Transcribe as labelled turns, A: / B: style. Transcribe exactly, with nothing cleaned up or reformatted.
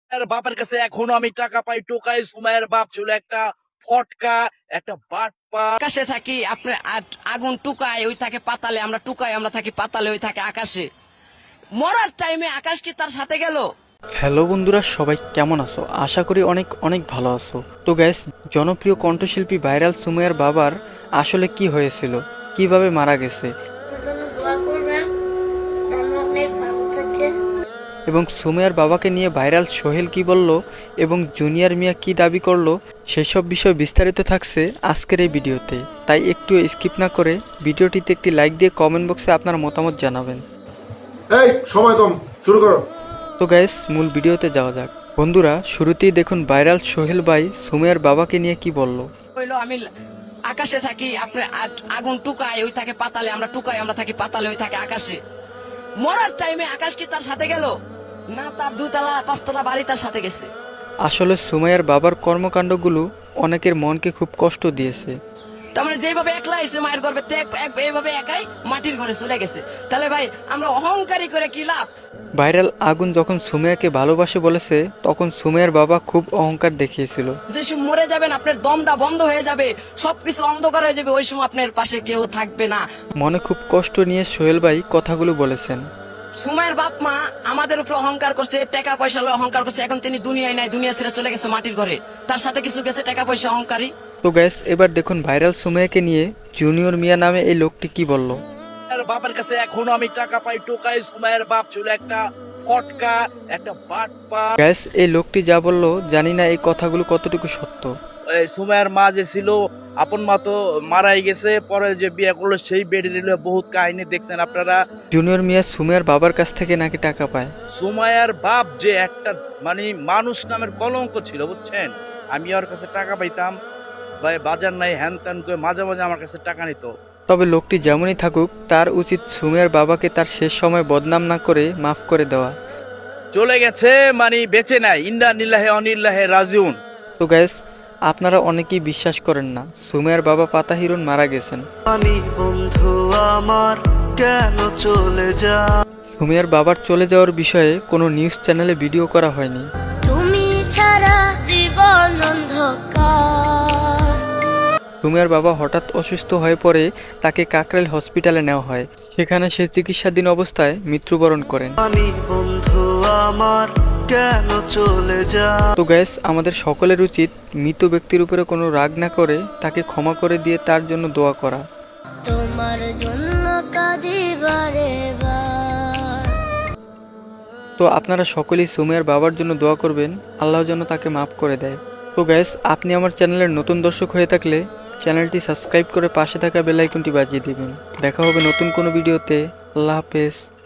A: আর বাপের কাছে এখনো আমি টাকা পাই টোকাই। সুমাইয়ের বাপ ছিল একটা ফটকা, একটা বাটপা।
B: আকাশে থাকি আপনার আগুন টুকায় ওই থাকে পাতালে, আমরা টুকাই আমরা থাকি পাতালে ওই থাকে আকাশে। মরার টাইমে আকাশ কি তার সাথে গেল?
C: হ্যালো বন্ধুরা, সবাই কেমন আছো? আশা করি অনেক অনেক ভালো আছো। তো গাইস, জনপ্রিয় কণ্ঠশিল্পী ভাইরাল সুমাইয়ার বাবার আসলে কি হয়েছিল, কিভাবে মারা গেছে এবং সুমাইয়ার বাবাকে নিয়ে ভাইরাল সোহেল কি বলল এবং জুনিয়র মিয়া কি দাবি করলো, সেসব বিষয় বিস্তারিত থাকছে আজকের এই ভিডিওতে। তাই একটু স্কিপ না করে ভিডিওটিতে একটি লাইক দিয়ে কমেন্ট বক্সে আপনার মতামত জানাবেন।
D: এই সময় কম, শুরু করো।
C: তো গাইস, মূল ভিডিওতে যাওয়া যাক। বন্ধুরা, শুরুতেই দেখুন ভাইরাল সোহেল ভাই সুমাইয়ার বাবাকে নিয়ে কি বলল।
B: হইলো আমি আকাশে থাকি আপনার আগুন টুকায় ওই থাকে পাতালে, আমরা টুকাই আমরা থাকি পাতালে ওই থাকে আকাশে। মরার টাইমে আকাশ কি তার সাথে গেল না? তার দুতলা পাঁচতলা বাড়ি তার সাথে গেছে।
C: আসলে সুমাইয়ার বাবার কর্মকাণ্ডগুলো অনেকের মনকে খুব কষ্ট দিয়েছে।
B: তার মানে যেভাবে একলা এসে মায়ের গর্ভে এইভাবে একাই মাটির ঘরে চলে গেছে। তাহলে ভাই আমরা অহংকারী করে কি লাভ?
C: ভাইরাল আগুন যখন সুমাইয়াকে ভালোবাসে বলেছে, তখন সুমাইয়ার বাবা খুব অহংকার দেখিয়েছিল।
B: যে সময় মরে যাবেন আপনার দমটা বন্ধ হয়ে যাবে, সবকিছু অন্ধকার হয়ে যাবে, ওই সময় আপনার পাশে কেউ থাকবে না।
C: মনে খুব কষ্ট নিয়ে সোহেল ভাই কথাগুলো বলেছেন।
B: সুমাইয়ের বাপ মা আমাদের উপর অহংকার করছে, টাকা পয়সা লয়ে অহংকার করছে। এখন তিনি দুনিয়ায় নাই, দুনিয়া ছেড়ে চলে গেছে মাটির ঘরে। তার সাথে কিছু গেছে টাকা পয়সা অহংকারী।
C: তো গ্যাস, এবার দেখুন ভাইরাল সুমাইয়াকে নিয়ে জুনিয়র মিয়া নামে এই লোকটি কি বলল।
A: আর বাপের কাছে এখনো আমি টাকা পাই টোকাই। সুমাইয়ের বাপ ছিল একটা ফটকা, একটা বাটপা।
C: গ্যাস, এই লোকটি যা বলল জানি না এই কথাগুলো কতটুকু সত্য।
A: সুমাইয়ের মা যে ছিল আপন মা তো মারাই গেছে, পরে যে বিয়ে করলো সেই বেডে নিল। বহুত কাহিনী দেখছেন আপনারা।
C: জুনিয়র মিয়া সুমাইয়ার বাবার কাছ থেকে নাকি টাকা পায়।
A: সুমাইয়ার বাপ যে একটা মানে মানুষ নামের কলঙ্ক ছিল, বুঝছেন। আমি ওর কাছে টাকা পাইতাম, ভাই বাজার নাই হ্যান ত্যান করে মাঝে মাঝে আমার কাছে টাকা নিত।
C: তবে লোকটি যেমনই থাকুক, তার উচিত সুমাইয়ার বাবাকে তার শেষ সময় বদনাম না করে মাফ করে দেওয়া।
A: চলে গেছে মানে বেঁচে নাই। ইন্না নিল্লাহে অনিল্লাহে রাজিউন।
C: তো গ্যাস, আপনারা অনেকেই বিশ্বাস করেন না সুমাইয়ার বাবা পাতা হিরণ মারা গেছেন।
E: আমি বন্ধু আমার কেন চলে যা।
C: সুমাইয়ার বাবার চলে যাওয়ার বিষয়ে কোনো নিউজ চ্যানেলে ভিডিও করা হয়নি।
F: তুমি ছাড়া জীবন অন্ধকার।
C: সুমাইয়ার বাবা হঠাৎ অসুস্থ হয়ে পড়ে তাকে কাকরাইল হসপিটালে নেওয়া হয়। সেখানে সে চিকিৎসাধীন অবস্থায় মৃত্যুবরণ করেন।
E: আমি বন্ধু আমার কেন চলে যা।
C: তো গ্যাস, আমাদের সকলের উচিত মৃত ব্যক্তির উপরে কোনো রাগ না করে তাকে ক্ষমা করে দিয়ে তার জন্য দোয়া করা।
F: তোমার জন্য কাঁদি বারে বার।
C: তো আপনারা সকলেই সুমাইয়ার বাবার জন্য দোয়া করবেন, আল্লাহ যেন তাকে মাফ করে দেয়। তো গ্যাস, আপনি আমার চ্যানেলের নতুন দর্শক হয়ে থাকলে চ্যানেলটি সাবস্ক্রাইব করে পাশে থাকা বেল আইকনটি বাজিয়ে দিবেন। দেখা হবে নতুন কোনো ভিডিওতে। আল্লাহ হাফেজ।